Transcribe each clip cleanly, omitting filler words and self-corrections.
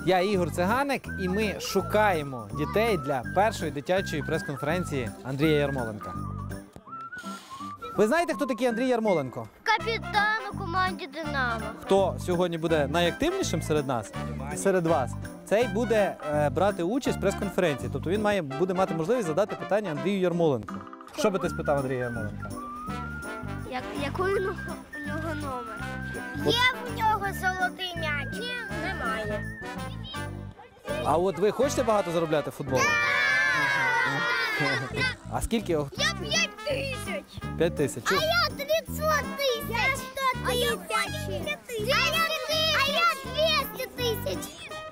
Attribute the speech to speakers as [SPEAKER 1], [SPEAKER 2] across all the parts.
[SPEAKER 1] Я Ігор Циганик, і ми шукаємо дітей для першої дитячої прес-конференції Андрія Ярмоленка. Ви знаєте, хто такий Андрій Ярмоленко?
[SPEAKER 2] Капітан у команді «Динамо».
[SPEAKER 1] Хто сьогодні буде найактивнішим серед нас, серед вас, цей буде брати участь в прес-конференції. Тобто він буде мати можливість задати питання Андрію Ярмоленку. Що би ти спитав Андрія Ярмоленка?
[SPEAKER 2] Який у нього номер? Є в нього золотий м'яч? Ні, немає.
[SPEAKER 1] А от ви хочете багато заробляти футболом? А скільки?
[SPEAKER 2] Я 5 тисяч.
[SPEAKER 1] 5 тисяч.
[SPEAKER 2] А я 500 тисяч. А я 50 тисяч. А я 200 тисяч.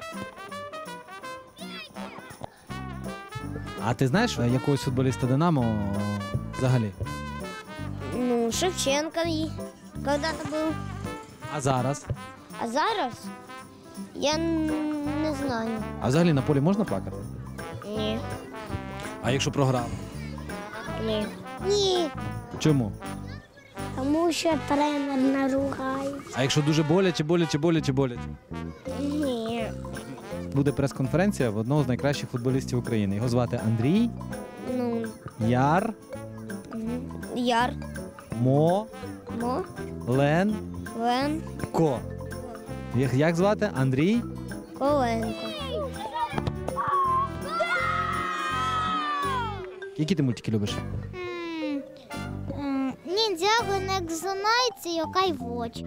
[SPEAKER 1] А ти знаєш якогось футболіста «Динамо» взагалі?
[SPEAKER 2] Ну, Шевченко когда-то був.
[SPEAKER 1] А зараз?
[SPEAKER 2] А зараз? Я не знаю.
[SPEAKER 1] А взагалі на полі можна плакати?
[SPEAKER 2] Ні.
[SPEAKER 1] А якщо програли?
[SPEAKER 2] Ні. Ні.
[SPEAKER 1] Чому?
[SPEAKER 2] Тому що тренер наругає.
[SPEAKER 1] А якщо дуже боляче?
[SPEAKER 2] Ні.
[SPEAKER 1] Буде прес-конференція в одного з найкращих футболістів України. Його звати Андрій
[SPEAKER 2] Ну,
[SPEAKER 1] Яр
[SPEAKER 2] Яр.
[SPEAKER 1] Мо
[SPEAKER 2] Мо.
[SPEAKER 1] Лен
[SPEAKER 2] Лен.
[SPEAKER 1] Ко. Як звати? Андрій?
[SPEAKER 2] Коленко.
[SPEAKER 1] Які ти мультики любиш?
[SPEAKER 2] Ніндзяго, Некзонайці, Йокай Воч.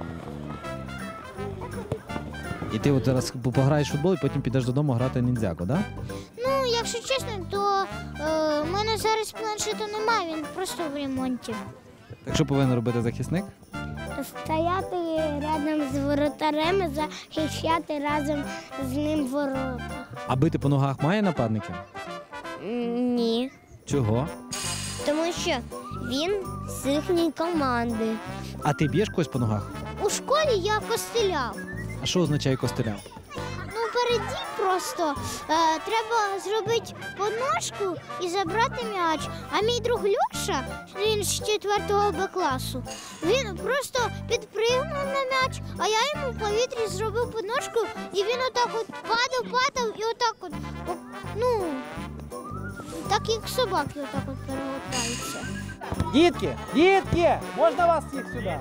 [SPEAKER 1] І ти от зараз пограєш в футбол і потім підеш додому грати ніндзяго, так? Да?
[SPEAKER 2] Ну, якщо чесно, то в мене зараз планшету немає, він просто в ремонті.
[SPEAKER 1] Так що повинен робити захисник?
[SPEAKER 2] Стояти рядом з воротарем і захищати разом з ним ворота.
[SPEAKER 1] А бити по ногах має нападники?
[SPEAKER 2] Ні.
[SPEAKER 1] Чого?
[SPEAKER 2] Тому що він з їхньої команди.
[SPEAKER 1] А ти б'єш когось по ногах?
[SPEAKER 2] У школі я костеляв.
[SPEAKER 1] А що означає костеляв?
[SPEAKER 2] Ну, переді просто треба зробити подножку і забрати м'яч. А мій друг Люша, він з 4 Б класу, він просто підпригнув на м'яч, а я йому в повітрі зробив подножку, і він отак от падав і отак от, ну, так як собаки отак от перегортаються.
[SPEAKER 1] Дітки, можна вас всіх сюди?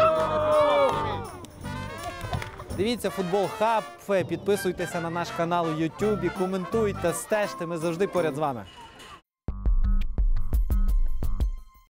[SPEAKER 1] Дивіться Футбол Хаб, підписуйтеся на наш канал у YouTube, коментуйте, стежте, ми завжди поряд з вами.